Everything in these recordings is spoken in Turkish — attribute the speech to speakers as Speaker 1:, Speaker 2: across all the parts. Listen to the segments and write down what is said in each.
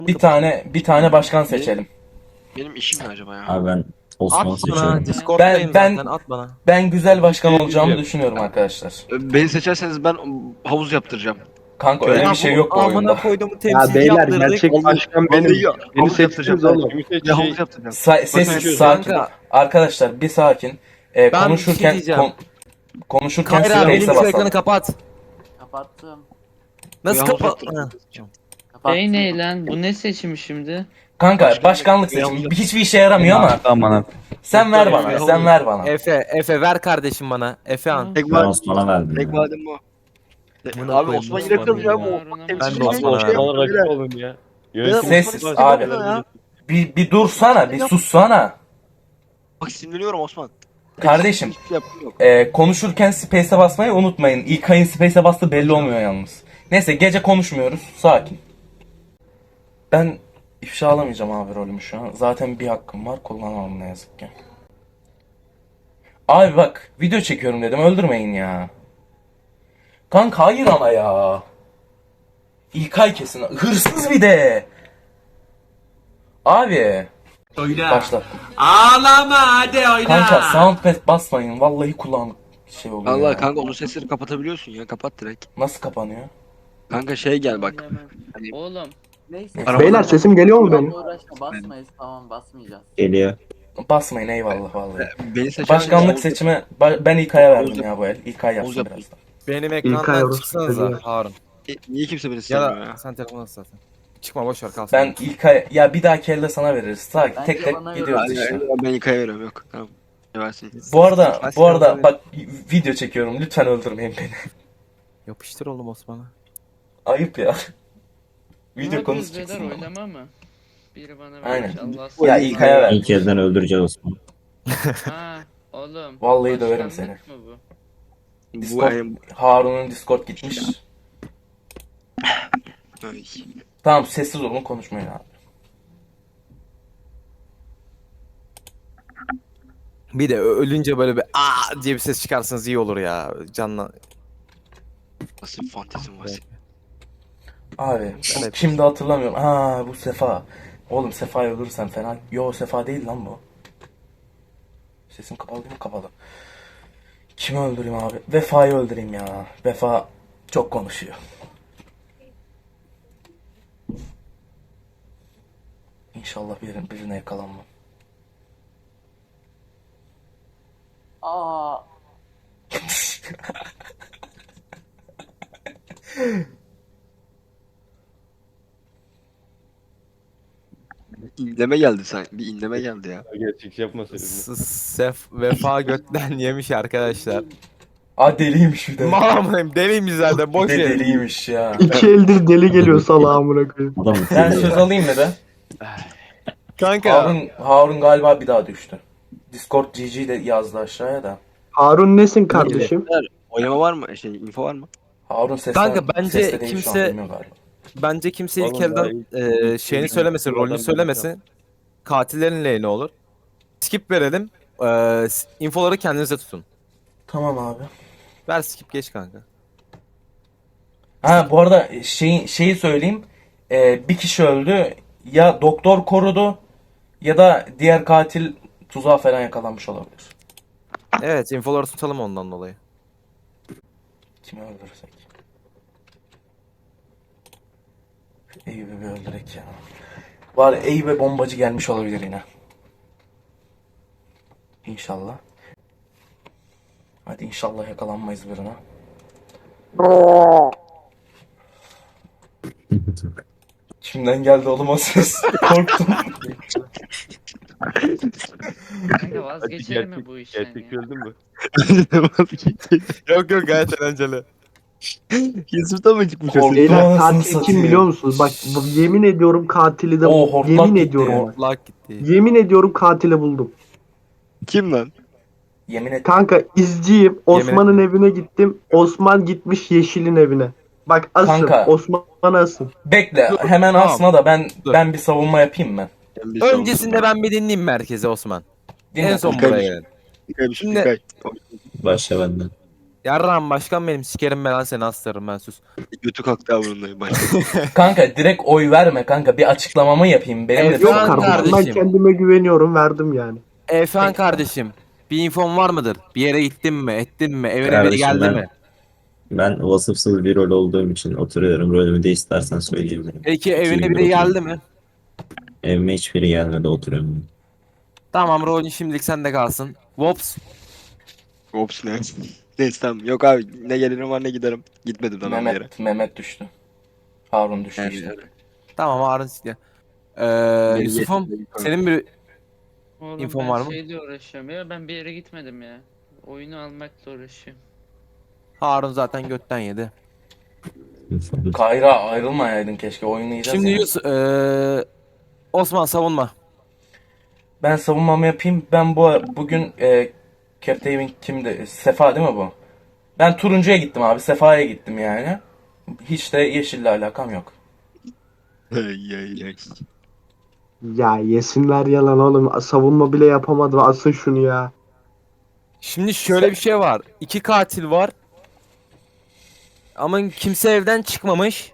Speaker 1: Bir tane başkan seçelim.
Speaker 2: Benim işim ne acaba ya?
Speaker 3: Abi ben Osman'ı
Speaker 4: At bana.
Speaker 3: seçiyorum.
Speaker 4: Discord'dayım
Speaker 1: Ben-
Speaker 4: zaten. At bana.
Speaker 1: Ben güzel başkan
Speaker 5: Bir şey
Speaker 1: olacağımı
Speaker 5: diyeceğim.
Speaker 1: düşünüyorum arkadaşlar.
Speaker 2: Beni seçerseniz ben havuz yaptıracağım.
Speaker 1: Kanka öyle bir şey yok bu oyunda.
Speaker 4: Amına koyduğumu
Speaker 6: Ya
Speaker 4: temsilci
Speaker 6: beyler
Speaker 4: yaptırdık.
Speaker 6: gerçek
Speaker 2: Vallahi-
Speaker 6: başkan benim.
Speaker 2: Vallahi ya,
Speaker 6: Beni
Speaker 2: havuz
Speaker 6: seçtiniz
Speaker 2: yaptıracağım.
Speaker 6: oğlum.
Speaker 5: Kimi
Speaker 2: Ya
Speaker 5: seçecek?
Speaker 2: havuz yaptıracağım.
Speaker 1: Sessiz
Speaker 5: Bakın,
Speaker 1: sakin.
Speaker 4: kanka.
Speaker 1: Arkadaşlar bir sakin.
Speaker 4: Ben bir şey
Speaker 1: Konuşurken
Speaker 4: diyeceğim.
Speaker 1: konuşurken
Speaker 4: Kayra benim
Speaker 1: space'e
Speaker 4: şu ekranı
Speaker 1: basalım.
Speaker 4: kapat.
Speaker 7: Kapattım.
Speaker 4: Nasıl
Speaker 2: Ya, havuz
Speaker 4: kapat?
Speaker 2: yaptıracağım.
Speaker 7: Kapattım.
Speaker 8: Şey ne lan? Bu ne seçimi şimdi?
Speaker 1: Kanka başkanlık seçimi hiçbir işe yaramıyor ama
Speaker 3: Aman
Speaker 1: sen ver bana. Sen ver bana.
Speaker 4: Efe ver kardeşim bana. Efe an.
Speaker 2: Tek
Speaker 3: ben
Speaker 2: madem,
Speaker 3: Osman'a verdim.
Speaker 2: tek
Speaker 3: ya.
Speaker 2: madem o.
Speaker 4: Amına
Speaker 2: Abi
Speaker 4: koyayım,
Speaker 2: Osman
Speaker 4: Osman'ı
Speaker 2: yine kılıyor
Speaker 8: ya.
Speaker 2: bu.
Speaker 4: Ben de
Speaker 2: Osman'ı
Speaker 4: Osman'a
Speaker 2: şey
Speaker 5: Osman'a rakip
Speaker 2: yapıyor.
Speaker 5: olun ya.
Speaker 1: Sessiz
Speaker 2: Osman'ı
Speaker 1: abi.
Speaker 2: seviyorum ya.
Speaker 1: Bir dursana, bir sussana.
Speaker 2: Bak sinirleniyorum Osman.
Speaker 1: Kardeşim,
Speaker 2: Hiçbir şey yapmıyor.
Speaker 1: konuşurken space'e basmayı unutmayın. İlkay'ın space'e bastığı belli olmuyor yalnız. Neyse gece konuşmuyoruz. Sakin. Ben ifşalamayacağım abi rolümü şu an. Zaten bir hakkım var. Kullanamam ne yazık ki. Abi bak video çekiyorum dedim. Öldürmeyin ya. Kanka hayır ama ya. İlkay kesin. Hırsız bir de. Abi. Başla.
Speaker 9: Ağlama hadi oyna.
Speaker 1: Kanka soundpad basmayın. Vallahi kulağım şey oluyor
Speaker 2: Allah
Speaker 1: ya.
Speaker 2: kanka onun sesleri kapatabiliyorsun ya. Kapat direkt.
Speaker 1: Nasıl kapanıyor?
Speaker 2: Kanka şey gel bak. Hani-
Speaker 8: Oğlum.
Speaker 7: Neyse.
Speaker 6: Beyler sesim geliyor mu benim?
Speaker 7: Uğraşma basmayız tamam basmayacağız.
Speaker 3: Geliyor.
Speaker 1: Basmayın eyvallah vallahi.
Speaker 2: Beni seçer
Speaker 1: Başkanlık seçimi ben İlkay'a verdim ya bu el. İlkay yapsın
Speaker 2: Oğuz
Speaker 1: birazdan.
Speaker 4: Benim
Speaker 6: İlkay
Speaker 4: ekrandan
Speaker 6: orospu
Speaker 4: çıksanıza
Speaker 6: çocuğu.
Speaker 4: Harun.
Speaker 2: Niye kimse beni
Speaker 4: Ya
Speaker 2: sevmiyor
Speaker 4: da
Speaker 2: ya?
Speaker 4: sen telefonu zaten. Çıkma boş ver kalsın.
Speaker 1: Ben İlkay ya bir dahaki elde sana veririz. Sakin
Speaker 7: Bence
Speaker 1: tek tek
Speaker 7: bana
Speaker 1: gidiyoruz
Speaker 2: Hayır,
Speaker 1: işte.
Speaker 2: hayır, ben İlkay'a veriyorum yok. Tamam. Versin.
Speaker 1: Bu arada bak video çekiyorum. Lütfen öldürmeyin beni.
Speaker 4: Yapıştır oğlum Osman'a.
Speaker 1: Ayıp ya. Video
Speaker 8: Ne yapıyoruz
Speaker 1: konuşacaksın
Speaker 8: beyler,
Speaker 1: ama.
Speaker 8: oylama mı? Biri bana
Speaker 1: Aynen.
Speaker 8: vermiş Allah
Speaker 1: Ya İlkay'a ver.
Speaker 3: İlk kezden öldüreceğiz Osman.
Speaker 8: Ha oğlum.
Speaker 1: Vallahi döverim
Speaker 8: başkanlık mı bu?
Speaker 2: Bu
Speaker 1: Discord,
Speaker 2: ayım.
Speaker 1: Harun'un Discord gitmiş.
Speaker 2: Ay.
Speaker 1: Tamam sessiz olun konuşmayın abi.
Speaker 4: Bir de ölünce böyle bir aa diye bir ses çıkarsanız iyi olur ya. Canla.
Speaker 2: Nasıl bir fantezim var senin?
Speaker 1: Abi
Speaker 4: Evet.
Speaker 1: şimdi hatırlamıyorum. Aa bu Sefa. Oğlum Sefa'yı öldürürsen fena. Yo Sefa değil lan bu. Sesim kapalı değil mi? Kapalı. Kimi öldüreyim abi? Vefa'yı öldüreyim ya. Vefa çok konuşuyor. İnşallah birine yakalanmam.
Speaker 7: Aa.
Speaker 2: İnleme geldi sen. Bir inleme geldi ya.
Speaker 5: Gerçekçi yapmasaydın.
Speaker 4: Vefa götten yemiş arkadaşlar.
Speaker 1: Aa deliymiş bir de.
Speaker 4: Mamam deliymiş zaten
Speaker 1: Bir
Speaker 4: boş
Speaker 1: de
Speaker 4: ver.
Speaker 1: deliymiş ya.
Speaker 6: İki eldir deli geliyor salağa amına koyayım.
Speaker 3: Adam
Speaker 1: Ben söz alayım mı be?
Speaker 4: Kanka
Speaker 1: Harun galiba bir daha düştü. Discord GG de yazdı aşağıya da.
Speaker 6: Harun nesin kardeşim?
Speaker 2: Oynama var mı? Info var mı?
Speaker 1: Harun sesle,
Speaker 4: Kanka, bence
Speaker 1: sesle değil şu an,
Speaker 4: kimse-
Speaker 1: bilmiyorum galiba.
Speaker 4: bence kimse ilk
Speaker 5: Oğlum daha
Speaker 4: elden şeyini söylemesin, rolünü söylemesin. Katillerin lehine olur. Skip verelim. Infoları kendinize tutun.
Speaker 1: Tamam abi.
Speaker 4: Ver skip geç kanka.
Speaker 1: Ha bu arada şeyi söyleyeyim. Bir kişi öldü. Ya doktor korudu ya da diğer katil tuzağa falan yakalanmış olabilir.
Speaker 4: Evet infoları tutalım ondan dolayı.
Speaker 1: Kimi öldürürsek. Eyüp'ü bir öldürek ya. Var Eyüp'e bombacı gelmiş olabilir yine. İnşallah. Hadi inşallah yakalanmayız birine. Kimden geldi oğlum o ses? Korktum.
Speaker 8: Kanka vazgeçelim mi bu işten
Speaker 5: Gerçekçi
Speaker 8: ya?
Speaker 5: öldün mü?
Speaker 4: Yok yok gayet eğlenceli.
Speaker 2: Yusuf'tan mı çıkmış o
Speaker 1: Korktum.
Speaker 2: ses?
Speaker 6: Beyler
Speaker 1: Anasını
Speaker 6: katil
Speaker 1: satayım.
Speaker 6: kim biliyor musunuz? Bak yemin ediyorum katili de
Speaker 1: Oo,
Speaker 6: buldum.
Speaker 1: hortlak
Speaker 6: Yemin
Speaker 1: gitti
Speaker 6: ediyorum.
Speaker 1: ya.
Speaker 6: bak.
Speaker 4: Lak gitti.
Speaker 6: Yemin ediyorum katili buldum.
Speaker 2: Kim lan?
Speaker 1: Yemin et.
Speaker 6: Kanka izciyim. Osman'ın evine gittim. Osman gitmiş Yeşil'in evine. Bak asın.
Speaker 1: Kanka.
Speaker 6: Osman asın.
Speaker 1: Bekle hemen
Speaker 4: Tamam.
Speaker 1: asma da ben
Speaker 4: Dur.
Speaker 1: ben bir savunma yapayım mı?
Speaker 4: Öncesinde ben bir dinleyeyim merkezi Osman.
Speaker 1: Dinle.
Speaker 4: En son
Speaker 2: İlkay
Speaker 4: buraya
Speaker 2: bir-
Speaker 4: gelelim.
Speaker 2: İlkay bir
Speaker 4: Şimdi-
Speaker 2: İlkay.
Speaker 3: Başla benden.
Speaker 4: Yarram başkan benim sikerim ben lan seni astırırım ben sus.
Speaker 2: Götü kalktı avrundayım.
Speaker 1: Kanka direkt oy verme kanka. Bir açıklamamı yapayım. Benim de
Speaker 4: Evet,
Speaker 6: Yok
Speaker 4: Efendim
Speaker 6: kardeşim ben
Speaker 4: kardeşim.
Speaker 6: kendime güveniyorum verdim yani.
Speaker 4: Efendim kardeşim bir infon var mıdır? Bir yere gittin mi ettin mi evine biri
Speaker 3: Kardeşim
Speaker 4: geldi
Speaker 3: ben-
Speaker 4: mi?
Speaker 3: Ben vasıfsız bir rol olduğum için oturuyorum. Rolümü de istersen söyleyebilirim.
Speaker 4: Peki evine
Speaker 3: gibi
Speaker 4: biri
Speaker 3: oturuyorum.
Speaker 4: geldi mi?
Speaker 3: Evime hiçbiri gelmedi oturuyorum.
Speaker 4: Tamam rolün şimdilik sende kalsın. Wops.
Speaker 2: Ops ne? Neyse tamam. Yok abi ne gelirim var ne giderim. Gitmedim daha bir yere.
Speaker 1: Mehmet düştü. Harun düştü
Speaker 2: Yani,
Speaker 1: işte.
Speaker 4: Tamam Harun siktir.
Speaker 2: Beni
Speaker 4: Yusuf'um
Speaker 2: yetin, beni
Speaker 4: senin bir
Speaker 8: Oğlum
Speaker 4: İnfon
Speaker 8: ben
Speaker 4: var mı?
Speaker 8: şeyle uğraşıyorum ya. Ben bir yere gitmedim ya. Oyunu almakla uğraşıyorum.
Speaker 4: Harun zaten götten yedi.
Speaker 1: Kayra ayrılmayaydın keşke. Oynayacağız
Speaker 4: Şimdi
Speaker 1: ya.
Speaker 4: Osman savunma.
Speaker 1: Ben savunmamı yapayım. Ben bugün Captain kimdi? Sefa değil mi bu? Ben turuncuya gittim abi. Sefa'ya gittim yani. Hiç de yeşille alakam yok.
Speaker 2: Ay, ay, ay.
Speaker 6: Ya yesinler yalan oğlum. Savunma bile yapamadı. Asın şunu ya.
Speaker 4: Şimdi şöyle bir şey var. 2 katil var. Ama kimse evden çıkmamış.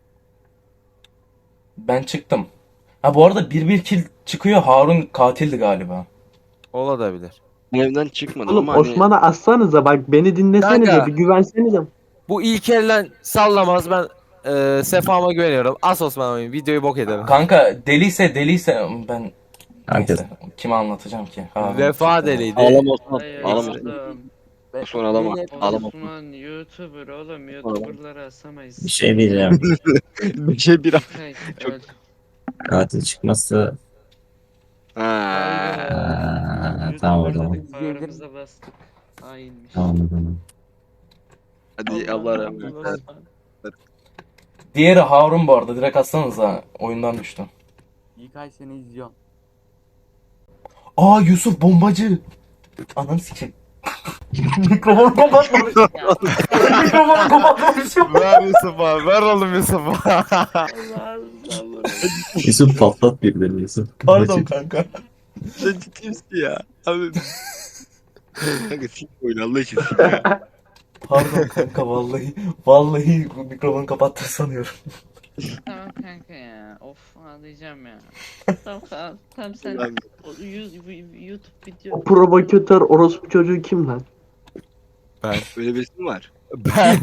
Speaker 1: Ben çıktım. Ha bu arada 1-1 kill çıkıyor. Harun katildi galiba.
Speaker 4: Olabilir.
Speaker 2: Ben evden çıkmadım
Speaker 6: Oğlum
Speaker 2: ama hani
Speaker 6: Osman'a assanıza bak beni dinlesenize
Speaker 4: Kanka.
Speaker 6: bir güvensenize.
Speaker 4: Bu ilk elden sallamaz ben Sefa'ma güveniyorum. As Osman oyun videoyu bok edelim.
Speaker 1: Kanka deliyse ben
Speaker 3: Herkes.
Speaker 1: neyse kime anlatacağım ki? Harun
Speaker 4: Vefa
Speaker 1: çıktı.
Speaker 4: deliydi.
Speaker 2: ağlama Osman.
Speaker 8: Hayır
Speaker 2: Ağlama.
Speaker 8: oğlum.
Speaker 2: Osman ağlama. Ağlama.
Speaker 8: Osman YouTuber oğlum. YouTuber'ları asamayız.
Speaker 3: Bir şey diyeceğim.
Speaker 2: Bir şey bir
Speaker 8: Hey,
Speaker 2: Çok-
Speaker 8: öl.
Speaker 3: Katil çıkmazsa
Speaker 2: Ha.
Speaker 8: Hayda.
Speaker 3: tamam o zaman.
Speaker 8: YouTuber'ları bağrımıza bastık. Hainmiş.
Speaker 3: Tamam o zaman.
Speaker 2: Hadi Allah rahmet eylesin.
Speaker 8: Osman.
Speaker 1: Diğeri Harun bu arada. Direkt atsanıza. Oyundan düştü.
Speaker 7: İlkay seni izliyorum.
Speaker 1: Aa Yusuf bombacı. Ananı sikeyim. Mikrofonu kapatmamış. Mikrofonu kapatmamış.
Speaker 4: Ver Yusuf'a, ver oğlum Yusuf'a.
Speaker 3: Yusuf patlat birbirini Yusuf.
Speaker 1: Pardon kanka.
Speaker 2: Sen ciddi misin ya? Abi. Kanka sik oyunu Allah için sik ya.
Speaker 1: Pardon kanka vallahi bu mikrofonu kapattı sanıyorum.
Speaker 8: Tamam kanka ya. Of ağlayacağım ya. Tamam tamam sen
Speaker 2: Ulan,
Speaker 8: YouTube video.
Speaker 6: O provokatör orospu çocuğu kim lan?
Speaker 2: Öyle birisi mi var?
Speaker 4: Ben.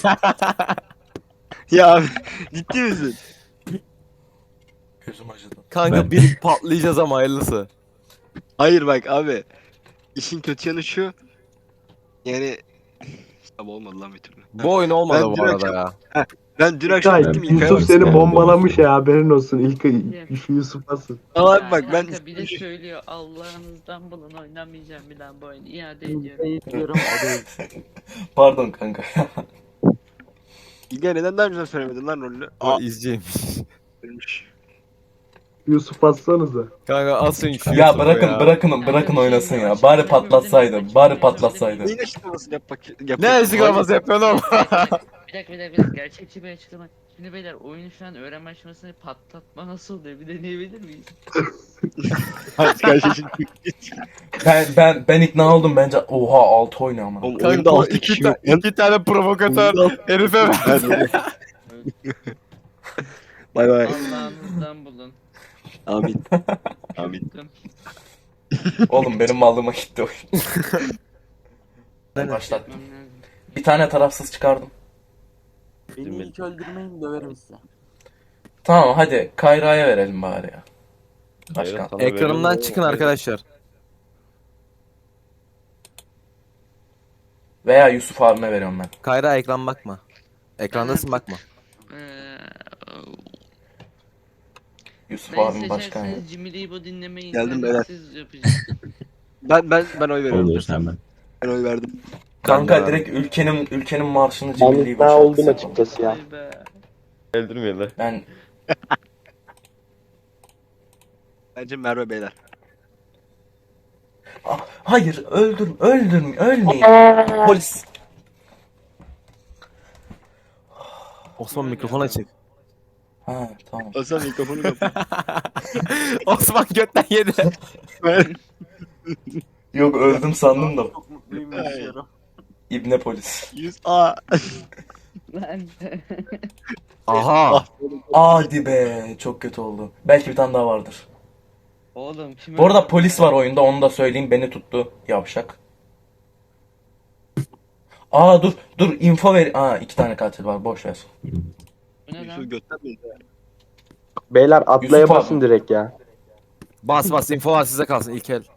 Speaker 2: Ya abi ciddi misin?
Speaker 1: Gözüm acıdı.
Speaker 4: Kanka
Speaker 3: Ben.
Speaker 4: bir patlayacağız ama hayırlısı.
Speaker 2: Hayır bak abi. İşin kötü yanı şu. Yani Abi olmadı lan bir türlü.
Speaker 4: Bu oyun olmadı
Speaker 2: Ben
Speaker 4: bu
Speaker 2: dün
Speaker 4: arada
Speaker 2: akşam-
Speaker 4: ya.
Speaker 2: Ben dün akşam
Speaker 6: İlkay,
Speaker 2: gittim İlkay'a
Speaker 6: Yusuf
Speaker 2: bak.
Speaker 6: seni
Speaker 3: bak.
Speaker 6: bombalamış ya haberin olsun. İlkay şu Yusuf asın.
Speaker 2: Ama
Speaker 8: Ya
Speaker 2: abi bak ben
Speaker 8: kanka bir de söylüyor Allah'ınızdan bulun oynamayacağım bir daha bu oyunu iade ediyorum.
Speaker 7: İlkay'ı izliyorum o değil.
Speaker 1: Pardon kanka.
Speaker 2: İlkay neden daha önce söylemedin lan rolünü?
Speaker 4: O izciymiş.
Speaker 2: Ölmüş.
Speaker 6: Yusuf assanıza.
Speaker 4: Kanka asın şu
Speaker 1: Ya
Speaker 4: Yusuf'u
Speaker 1: bırakın
Speaker 4: ya.
Speaker 1: bırakın oynasın ya. Bari patlatsaydı. Bari patlatsaydı.
Speaker 2: Neyin açıklamasını yap.
Speaker 4: Ne açıklaması yapıyorsun oğlum?
Speaker 8: Bir dakika gerçekçi bir açıklama. Şimdi beyler oyunu şu an öğrenme aşamasını patlatma nasıl oluyor bir deneyebilir miyiz?
Speaker 2: Hadi kardeşim.
Speaker 1: Ben ikna oldum bence. Oha 6 oynuyor ama.
Speaker 2: Oğlum
Speaker 4: Kanka
Speaker 2: oyunda 6
Speaker 4: iki,
Speaker 2: kişi yok. lan.
Speaker 4: iki tane provokatör
Speaker 2: Oyunda
Speaker 4: herife ver.
Speaker 2: Hadi. Bay bay.
Speaker 8: Allah'ınızdan bulun.
Speaker 2: Amin. Amin.
Speaker 1: Oğlum benim mallığıma gitti oyun. Ben başlattım.
Speaker 8: Yapmam lazım.
Speaker 1: Bir tane tarafsız çıkardım.
Speaker 7: Beni ilk öldürmeyin döverim size.
Speaker 1: Tamam hadi Kayra'ya verelim bari ya. Başkan.
Speaker 4: Ekranımdan çıkın arkadaşlar.
Speaker 1: Veya Yusuf abime veriyorum ben.
Speaker 4: Kayra ekran bakma. Ekrandasın bakma.
Speaker 1: Yusuf
Speaker 8: Ben
Speaker 1: abim başkan ya.
Speaker 8: seçerseniz Jimmy Libo dinlemeyi
Speaker 2: Geldim beyler.
Speaker 8: siz yapacaksınız.
Speaker 2: Ben oy veriyorum.
Speaker 3: Olur hemen.
Speaker 2: Ben oy verdim.
Speaker 1: Kanka direkt ülkenin marşını
Speaker 6: Ben
Speaker 1: cimriliği
Speaker 6: ikna oldum açıkçası ya.
Speaker 8: Vay be.
Speaker 4: Öldürmeyelim.
Speaker 1: Ben
Speaker 2: Bence Merve beyler.
Speaker 1: hayır ölmeyin. Polis.
Speaker 4: Osman mikrofon açık.
Speaker 1: Ha tamam.
Speaker 2: Hasan mikrofonu kapat.
Speaker 4: Osman götten yedi.
Speaker 1: Yok öldüm sandım da.
Speaker 7: Çok mutluyum yaşıyorum.
Speaker 1: İbne polis.
Speaker 2: 100 A.
Speaker 8: Lan.
Speaker 4: Aha.
Speaker 1: Hadi be, çok kötü oldu. Belki bir tane daha vardır.
Speaker 8: Oğlum kim
Speaker 1: Bu arada
Speaker 8: öldürdü
Speaker 1: polis
Speaker 8: ya?
Speaker 1: var oyunda, onu da söyleyeyim, beni tuttu yavşak. Aa dur info ver. Aa, 2 tane katil var, boş ver.
Speaker 8: Bu ne
Speaker 2: Yusuf
Speaker 8: lan?
Speaker 2: götten mi?
Speaker 6: Beyler atlaya
Speaker 1: Yusuf abi.
Speaker 6: basın direkt ya.
Speaker 4: Bas info var size kalsın ilk el.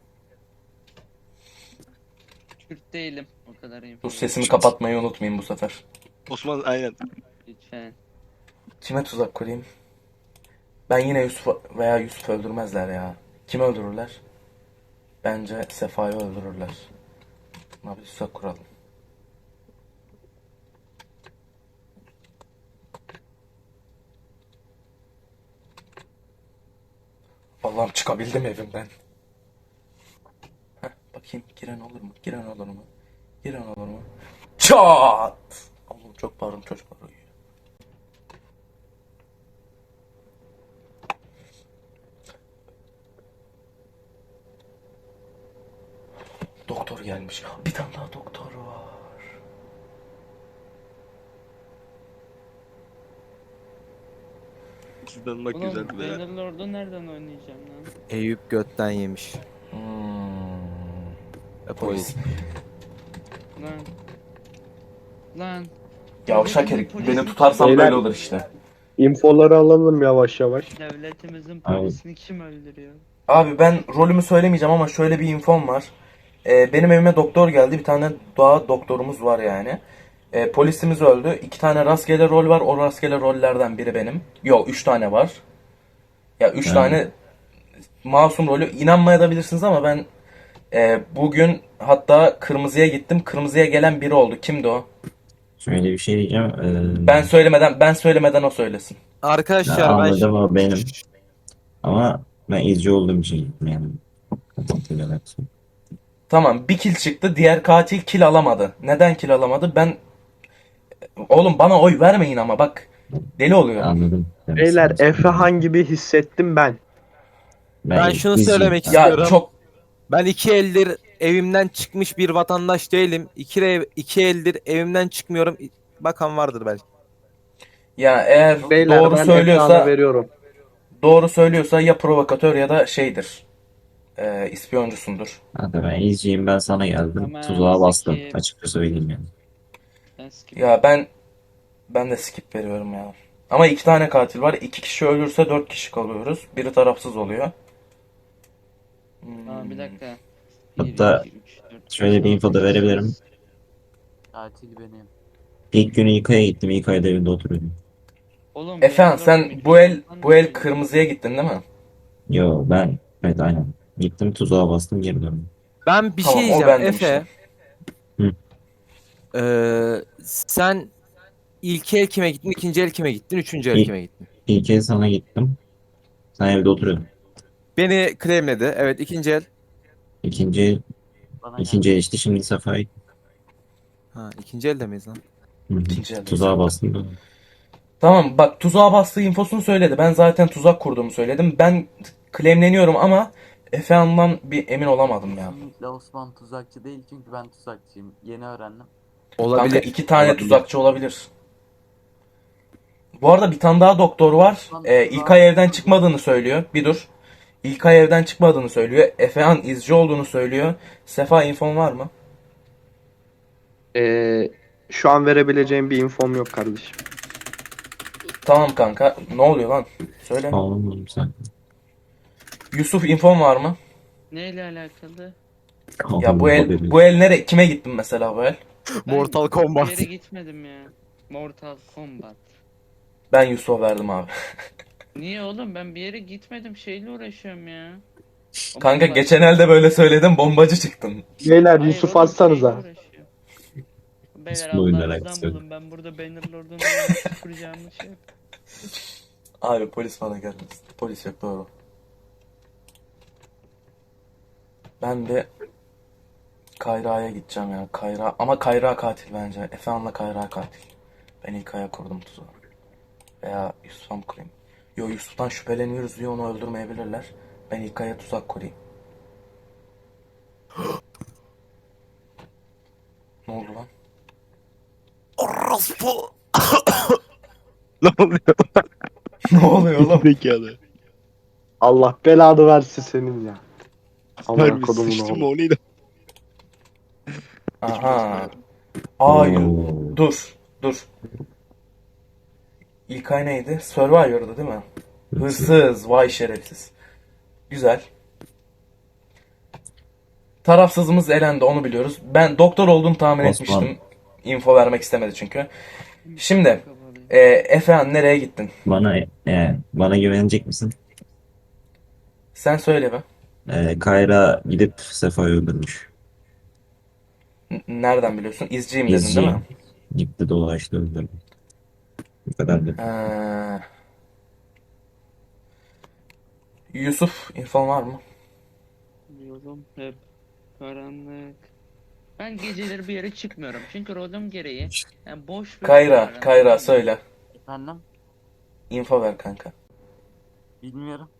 Speaker 8: Kürt değilim. O kadar info.
Speaker 1: Dur, sesimi kapatmayı unutmayayım bu sefer.
Speaker 2: Osman aynen.
Speaker 8: Lütfen.
Speaker 1: Kime tuzak kurayım? Ben yine Yusuf veya Yusuf öldürmezler ya. Kimi öldürürler? Bence Sefa'yı öldürürler. Buna bir tuzak kuralım. Allah'ım, çıkabildim evimden. Heh, bakayım giren olur mu? Giren olur mu? Giren olur mu? Çat! Allah'ım, çok pardon, çocuklar uyuyor. Doktor gelmiş. Bir tane daha doktor var.
Speaker 2: Sizden bak
Speaker 8: Oğlum
Speaker 2: güzel be.
Speaker 8: Bannerlord'u nereden oynayacağım lan?
Speaker 4: Eyüp götten yemiş.
Speaker 1: Hmm.
Speaker 4: Polis.
Speaker 8: Lan. Lan.
Speaker 1: Yavşak herif.
Speaker 8: Devletimizin
Speaker 1: Beni tutarsan
Speaker 6: Beyler-
Speaker 1: böyle olur işte.
Speaker 6: İnfoları alalım yavaş yavaş.
Speaker 8: Devletimizin
Speaker 3: Abi.
Speaker 8: polisini kim öldürüyor?
Speaker 1: Abi ben rolümü söylemeyeceğim ama şöyle bir infom var. Benim evime doktor geldi. Bir tane doğa doktorumuz var yani. Polisimiz öldü. 2 tane rastgele rol var. O rastgele rollerden biri benim. Yok, 3 tane var. Ya 3
Speaker 3: Ha.
Speaker 1: tane masum rolü. İnanmayabilirsiniz ama ben bugün hatta kırmızıya gittim. Kırmızıya gelen biri oldu. Kimdi o?
Speaker 3: Şöyle bir şey diyeceğim.
Speaker 1: Ben söylemeden o söylesin.
Speaker 4: Arkadaşlar ben
Speaker 3: Anladım, o benim. Ama ben izci olduğum için gittim yani. Kontrol ederek.
Speaker 1: Tamam, bir kill çıktı. Diğer katil kill alamadı. Neden kill alamadı? Oğlum, bana oy vermeyin ama bak. Deli oluyorum.
Speaker 3: Anladım.
Speaker 6: Beyler Efehan gibi hissettim ben.
Speaker 4: Ben şunu
Speaker 3: izciyim.
Speaker 4: söylemek
Speaker 1: Ya
Speaker 4: istiyorum.
Speaker 1: çok
Speaker 4: Ben 2 eldir evimden çıkmış bir vatandaş değilim. 2 eldir evimden çıkmıyorum. Bakan vardır belki.
Speaker 1: ya eğer
Speaker 6: Beyler
Speaker 1: doğru
Speaker 6: ben
Speaker 1: söylüyorsa
Speaker 6: Efehan'a veriyorum.
Speaker 1: ya provokatör ya da şeydir. İspiyoncusundur.
Speaker 3: Hadi ben izciyim, ben sana geldim.
Speaker 8: Tamam,
Speaker 3: Tuzağa bastım.
Speaker 8: Zeki.
Speaker 3: Açıkça söyleyeyim yani.
Speaker 8: Ben skip.
Speaker 1: Ya ben de skip veriyorum ya. Ama 2 tane katil var. 2 kişi ölürse 4 kişi kalıyoruz. Biri tarafsız oluyor.
Speaker 8: Tamam, bir dakika.
Speaker 3: Hatta
Speaker 8: 2, 3, 4,
Speaker 3: şöyle bir info da verebilirim.
Speaker 7: Katil benim.
Speaker 3: İlk günü İK'ya gittim. İK'da evinde oturuyordum.
Speaker 8: Oğlum
Speaker 1: Efendim, sen
Speaker 8: Bannerlord
Speaker 1: bu el
Speaker 8: mikrofon
Speaker 1: kırmızıya gittin değil mi?
Speaker 3: Yo, ben evet aynen. Gittim, tuzağa bastım, geri döndüm.
Speaker 4: Ben bir
Speaker 1: Tamam,
Speaker 4: şey
Speaker 1: o
Speaker 4: diyeceğim
Speaker 1: bendim
Speaker 4: Efe.
Speaker 3: Hı.
Speaker 4: Sen ilk el kime gittin, ikinci el kime gittin, üçüncü el
Speaker 3: İlk-
Speaker 4: kime gittin?
Speaker 3: İlk kez sana gittim. Sen evde oturuyordun.
Speaker 4: Beni claimledi. Evet, ikinci el.
Speaker 3: İkinci
Speaker 7: Bana
Speaker 3: ikinci
Speaker 7: geldi.
Speaker 3: işte, şimdi Safa'yı.
Speaker 4: Ha, ikinci elde miyiz lan?
Speaker 3: Hı hı.
Speaker 1: İkinci eldeyiz.
Speaker 3: Tuzağa bastım, döndüm.
Speaker 1: Tamam, bak, tuzağa bastığı infosunu söyledi. Ben zaten tuzak kurduğumu söyledim. Ben claimleniyorum ama Efe'nden bir emin olamadım ya.
Speaker 7: Kesinlikle Osman tuzakçı değil çünkü ben tuzakçıyım. Yeni öğrendim.
Speaker 1: Kanka,
Speaker 4: Olabilir.
Speaker 1: 2 tane
Speaker 4: Olabilir.
Speaker 1: tuzakçı olabilir. Bu arada bir tane daha doktor var. İlkay evden çıkmadığını söylüyor. Bir dur. İlkay evden çıkmadığını söylüyor. Efehan izci olduğunu söylüyor. Sefa, infon var mı?
Speaker 6: Şu an verebileceğim bir infom yok kardeşim.
Speaker 1: Tamam kanka. Ne oluyor lan? Söyle.
Speaker 3: Oğlum sen.
Speaker 1: Yusuf, infon var mı?
Speaker 8: Neyle alakalı?
Speaker 1: Ya bu el nere? Kime gittin mesela bu el?
Speaker 8: Ben
Speaker 4: Mortal Kombat.
Speaker 8: Bir yere gitmedim ya. Mortal Kombat.
Speaker 1: Ben Yusuf'a verdim abi.
Speaker 8: Niye oğlum, ben bir yere gitmedim, şeyle uğraşıyorum ya. O
Speaker 1: Kanka
Speaker 8: bomba-
Speaker 1: geçen elde böyle söyledim, bombacı çıktın.
Speaker 6: Beyler
Speaker 8: Hayır
Speaker 6: Yusuf
Speaker 8: oğlum,
Speaker 6: atsanıza.
Speaker 8: şeyle uğraşıyorum. Beyler
Speaker 3: Bu oyunla
Speaker 8: Allah'ınızdan
Speaker 3: alakası yok.
Speaker 8: bulun, ben burada Bannerlord'un nasıl kuracağımı şey.
Speaker 1: Abi polis bana gelmesin. Polis yok, doğru. Ben de Kayra'ya gideceğim ya. Kayra, ama Kayra katil bence. Efehan'la Kayra katil. Ben ilk aya kurdum tuzağı. Veya Yusuf'a mı kurayım? Yo, Yusuf'tan şüpheleniyoruz diye onu öldürmeyebilirler. Ben ilk aya tuzak kurayım. Ne oldu lan?
Speaker 4: Orospu.
Speaker 2: Ne oluyor?
Speaker 1: Ne oluyor oğlum?
Speaker 2: Zekalı.
Speaker 6: Allah belanı versin senin ya. Aman
Speaker 2: Harbi
Speaker 6: kodumun
Speaker 2: sıçtın mı
Speaker 6: oğlu.
Speaker 2: o neydi?
Speaker 1: Aha. Aa,
Speaker 3: Oo.
Speaker 1: dur. İlkay neydi? Survivor'dı değil mi? Hırsız. Vay şerefsiz. Güzel. Tarafsızımız elendi, onu biliyoruz. Ben doktor olduğunu tahmin
Speaker 3: Osman.
Speaker 1: etmiştim. Info vermek istemedi çünkü. Şimdi Efehan nereye gittin?
Speaker 3: Bana güvenecek misin?
Speaker 1: Sen söyle be.
Speaker 3: Kayra gidip Sefa'yı öldürmüş.
Speaker 1: Nereden biliyorsun? İzciyim dedin değil
Speaker 3: İzci.
Speaker 1: mi?
Speaker 3: Gitti dolaştı öldürdü. Bu kadar da.
Speaker 1: Yusuf, infon var mı?
Speaker 8: Yolum hep karanlık. Ben geceleri bir yere çıkmıyorum. Çünkü rolüm gereği yani boş bir
Speaker 1: Kayra söyle.
Speaker 7: Efendim?
Speaker 1: Info ver kanka.
Speaker 7: Bilmiyorum.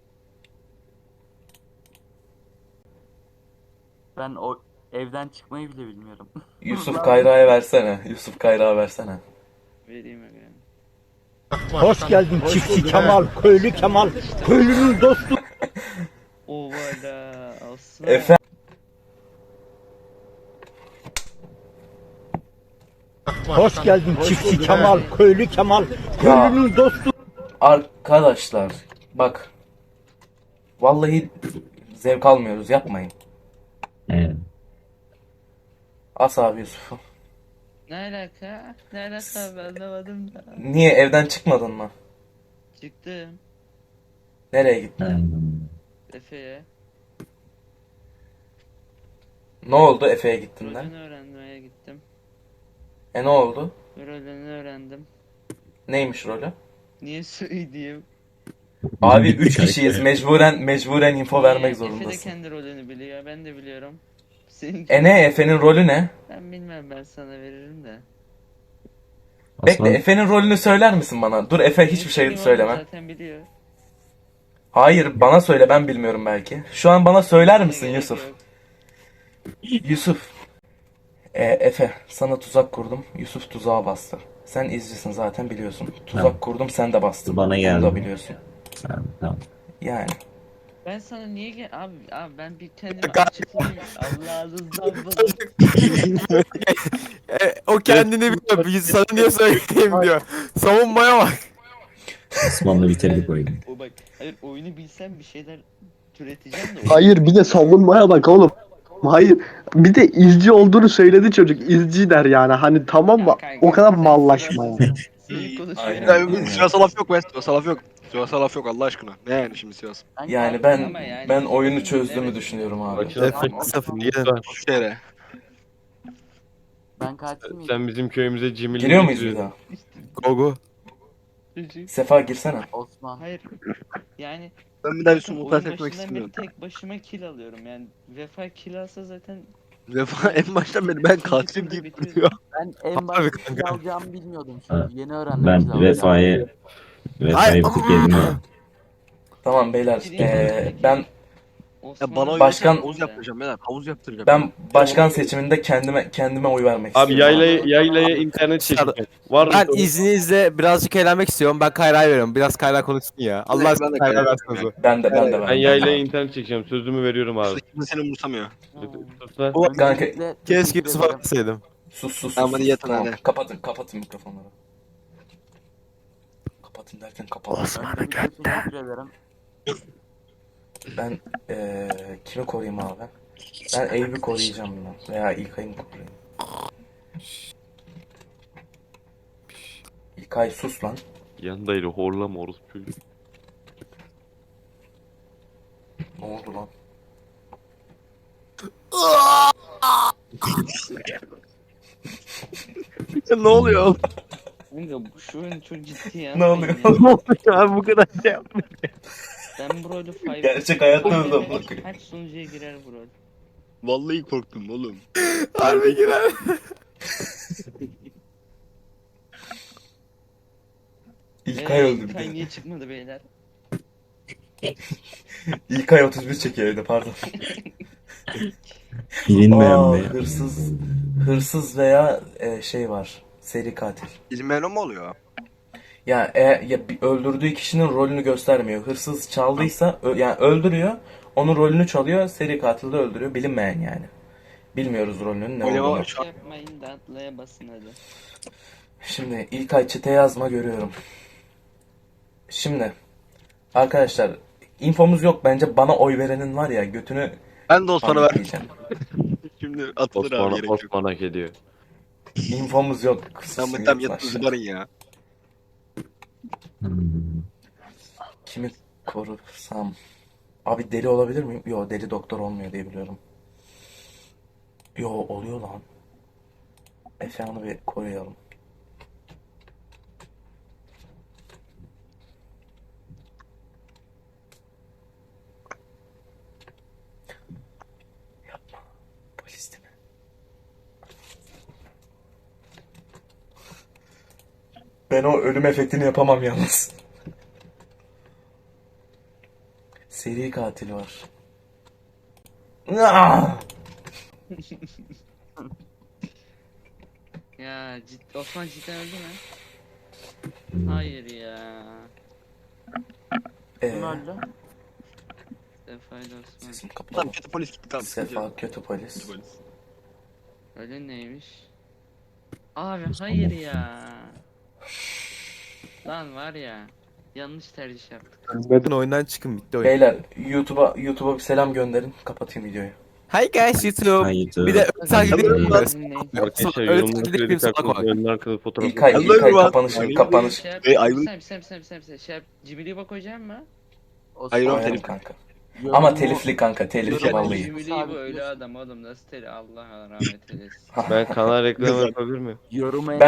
Speaker 7: Ben o evden çıkmayı bile bilmiyorum.
Speaker 1: Yusuf Kayra'ya versene. Yusuf Kayra'ya versene.
Speaker 8: Vereyim efendim.
Speaker 5: Hoş geldin çiftçi Kemal, köylü Kemal, köylünün dostu.
Speaker 8: Ovala aslan.
Speaker 1: Efe
Speaker 5: Hoş geldin çiftçi Kemal, köylü Kemal, köylünün dostu.
Speaker 1: arkadaşlar bak. Vallahi zevk almıyoruz, yapmayın.
Speaker 3: Evet.
Speaker 1: As abi Yusuf'u.
Speaker 8: Ne alaka? Ne alaka ben anlamadım da.
Speaker 1: Niye, evden çıkmadın mı?
Speaker 8: Çıktım
Speaker 1: Nereye gittin?
Speaker 8: Efe'ye.
Speaker 1: Ne oldu Efe'ye gittiğinden?
Speaker 8: Rolünü öğrenmeye gittim.
Speaker 1: Ne oldu?
Speaker 8: Rolünü öğrendim.
Speaker 1: Neymiş rolü?
Speaker 8: Niye söyleyeyim?
Speaker 1: Abi 3 kişiyiz. Mecburen info vermek
Speaker 8: Efe de
Speaker 1: zorundasın.
Speaker 8: kendi rolünü biliyor. Ben de biliyorum. Senin
Speaker 1: Ne Efe'nin rolü ne?
Speaker 8: Ben bilmem, ben sana veririm de.
Speaker 1: Bekle, Efe'nin rolünü söyler misin bana? Dur Efe, hiçbir şey
Speaker 8: Benim
Speaker 1: söyleme.
Speaker 8: oğlum zaten biliyor.
Speaker 1: Hayır, bana söyle, ben bilmiyorum belki. Şu an bana söyler misin
Speaker 8: Gerek
Speaker 1: Yusuf?
Speaker 8: yok.
Speaker 1: Yusuf. Efe, sana tuzak kurdum. Yusuf tuzağa bastı. Sen izcisin zaten, biliyorsun. Tuzak
Speaker 3: Tamam.
Speaker 1: kurdum, sen de bastın.
Speaker 3: Bana
Speaker 1: Bunu
Speaker 3: geldi.
Speaker 1: da biliyorsun.
Speaker 3: Tamam.
Speaker 1: Yani.
Speaker 8: Ben sana niye abi ben bir kendimi açıklayayım. Allah'ınızdan bulun.
Speaker 4: O kendini biliyor. Sana niye söyleyeyim diyor. Savunmaya bak.
Speaker 3: Osman'la bitirdik oyunu.
Speaker 8: O bak, hayır oyunu bilsem bir şeyler türeteceğim de.
Speaker 6: Hayır bir de savunmaya bak oğlum. Hayır bir de izci olduğunu söyledi çocuk. İzci der yani hani tamam mı? O kadar mallaşma yani.
Speaker 8: Seni konuşuyorum.
Speaker 1: Aynen.
Speaker 2: Ya, Sivas'a laf yok be. Sivas'a laf yok. Sivas'a laf yok Allah aşkına. Ne yani şimdi Sivas?
Speaker 1: Yani ben oyunu çözdüğümü düşünüyorum abi.
Speaker 4: Efe sıfır gelin.
Speaker 2: Şu şehre.
Speaker 7: Ben katil miyim?
Speaker 10: Sen bizim köyümüze cimrilik
Speaker 1: Giriyor muyuz bir
Speaker 10: getiriyorsun.
Speaker 1: daha?
Speaker 4: Gogo.
Speaker 1: Sefa girsene.
Speaker 7: Osman.
Speaker 8: Hayır. Yani
Speaker 2: Ben bir daha bir
Speaker 8: zaten
Speaker 2: sumo
Speaker 8: oyun
Speaker 2: etmek
Speaker 8: başından beri
Speaker 2: istemiyorum.
Speaker 8: tek başıma kill alıyorum. Yani Vefa kill alsa zaten
Speaker 2: Vefa en baştan beri ben katilim deyip duruyor.
Speaker 7: Ben en
Speaker 4: Abi
Speaker 7: başta
Speaker 4: kanka.
Speaker 7: kill alacağımı bilmiyordum
Speaker 3: Ha,
Speaker 7: çünkü. Yeni öğrendim kill
Speaker 3: Ben
Speaker 7: alacağımı.
Speaker 3: Vefa'yı bir tık yedim ama.
Speaker 1: Tamam beyler. Ben
Speaker 2: Ya bana oy
Speaker 1: Başkan-
Speaker 2: verirsen havuz yaptıracağım beyler. Havuz yaptıracağım.
Speaker 1: ben başkan seçiminde kendime oy vermek
Speaker 10: Abi
Speaker 1: istiyorum.
Speaker 10: yaylaya internet çekeceğim. Var mı?
Speaker 4: Ben izninizle birazcık eğlenmek istiyorum. Ben Kayra'ya veriyorum. Biraz Kayra konuşsun ya. Allah
Speaker 2: Ben
Speaker 4: aşkına
Speaker 2: de
Speaker 4: Kayra
Speaker 2: Kayra'ya
Speaker 4: versin sözü.
Speaker 1: Ben de
Speaker 10: Ben
Speaker 1: verdim.
Speaker 10: yaylaya internet çekeceğim. Sözümü veriyorum abi.
Speaker 2: Kimse seni umursamıyor.
Speaker 10: Sus
Speaker 2: O
Speaker 1: Kanka,
Speaker 7: Öncelikle
Speaker 4: Keşke
Speaker 7: teşekkür
Speaker 4: Yusuf'a
Speaker 7: ederim.
Speaker 4: verseydim.
Speaker 1: Sus.
Speaker 2: Tamam, hadi yatın
Speaker 1: Tamam,
Speaker 2: hadi.
Speaker 1: kapatın mikrofonları. Kapatın derken kapalı.
Speaker 7: Öncelikle teşekkür ederim.
Speaker 1: Ben kimi koruyayım abi? Ben Eyüp'ü koruyacağım ben. Veya İlkay'ı koruyayım. İlkay sus lan.
Speaker 10: Yandaydı horlama orospu.
Speaker 1: Ne oldu lan?
Speaker 2: Ne oluyor oğlum?
Speaker 8: Kanka şu oyun çok ciddi ya.
Speaker 1: Ne oluyor?
Speaker 2: Ne oluyor abi bu kadar şey yapma.
Speaker 8: Ben bu rolü 5.
Speaker 1: Gerçek hayatta da bakıyor.
Speaker 8: Kaç sunucuya girer bu rol?
Speaker 2: Vallahi korktum oğlum.
Speaker 4: Harbi girer.
Speaker 1: İlkay öldü bir
Speaker 8: İlkay
Speaker 1: de.
Speaker 8: niye çıkmadı beyler?
Speaker 1: İlkay 31 çekiyor evde, pardon.
Speaker 3: Bilinmeyen
Speaker 1: Aa,
Speaker 3: be.
Speaker 1: hırsız veya şey var. Seri katil.
Speaker 2: İzmir'e mi oluyor?
Speaker 1: Ya, öldürdüğü kişinin rolünü göstermiyor. Hırsız çaldıysa yani öldürüyor. Onun rolünü çalıyor. Seri katil de öldürüyor. Bilinmeyen yani. Bilmiyoruz rolünün ne
Speaker 2: Öyle
Speaker 1: olduğunu.
Speaker 2: var şu an.
Speaker 8: Yapmayın da atlaya basın hadi.
Speaker 1: Şimdi İlkay çete yazma görüyorum. Şimdi arkadaşlar infomuz yok bence, bana oy verenin var ya götünü
Speaker 2: Ben de Osman'a ver.
Speaker 1: diyeceğim.
Speaker 2: Şimdi atılır abi, gerek yok.
Speaker 10: Osman hak ediyor.
Speaker 1: İnfomuz yok.
Speaker 2: Sen bu tam yatın zıbarın ya.
Speaker 1: Kimi korusam? Abi deli olabilir miyim? Yo, deli doktor olmuyor diye biliyorum. Yo, oluyor lan. Efe'yi bir koruyalım. Yapma. Polis değil mi? Ben o ölüm efektini yapamam yalnız. Seri katil var. Ah!
Speaker 8: Ya Osman cidden öldü mü? Hayır ya.
Speaker 7: Kim öldü?
Speaker 8: Sefa'yla Osman.
Speaker 1: Sesim kapalı.
Speaker 2: Tamam, kötü polis gitti, tamam.
Speaker 1: Sefa kötü polis.
Speaker 2: Kötü polis.
Speaker 8: Öyle neymiş? Abi hayır ya. Lan var ya. Yanlış tercih yaptık.
Speaker 4: Bakın oyundan çıkın, bitti oyun.
Speaker 1: Beyler YouTube'a bir selam gönderin. Kapatayım videoyu.
Speaker 4: Hi guys YouTube.
Speaker 3: Hi YouTube.
Speaker 4: Bir de takip edin.
Speaker 10: Arkadaşlar
Speaker 4: Öyle
Speaker 10: yorumları
Speaker 4: takip edin,
Speaker 10: kredi
Speaker 4: salak
Speaker 10: kartı
Speaker 4: var.
Speaker 10: önün arkalı fotoğraf.
Speaker 1: İlkay
Speaker 2: Hello,
Speaker 1: kapanış.
Speaker 8: Şey yap.
Speaker 2: Hey, Ayvın.
Speaker 8: Şey yap. Cimri'ye bak hocam mı?
Speaker 2: Hayır, o
Speaker 1: Aynen
Speaker 2: telif.
Speaker 1: kanka. Ama telifli kanka, telifli
Speaker 2: Yorum-
Speaker 1: vallahi.
Speaker 8: Cimri bu öyle adam oğlum, nasıl teli, Allah rahmet eylesin.
Speaker 10: Ben kanal reklamı yapabilir miyim?
Speaker 7: Yorumu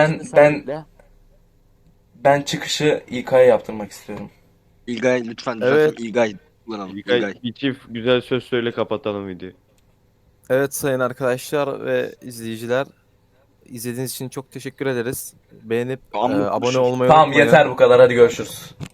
Speaker 1: Ben çıkışı İlkay'a yaptırmak istiyorum.
Speaker 2: İlgay lütfen
Speaker 4: Evet.
Speaker 2: düzeltin. İlgay kullanalım.
Speaker 10: İlkay
Speaker 2: İlgay.
Speaker 10: bir çift güzel söz söyle, kapatalım videoyu.
Speaker 4: Evet sayın arkadaşlar ve izleyiciler, izlediğiniz için çok teşekkür ederiz. Beğenip
Speaker 2: Tamam,
Speaker 4: abone olmayı
Speaker 1: Tamam
Speaker 4: unutmayın.
Speaker 1: yeter bu kadar, hadi görüşürüz.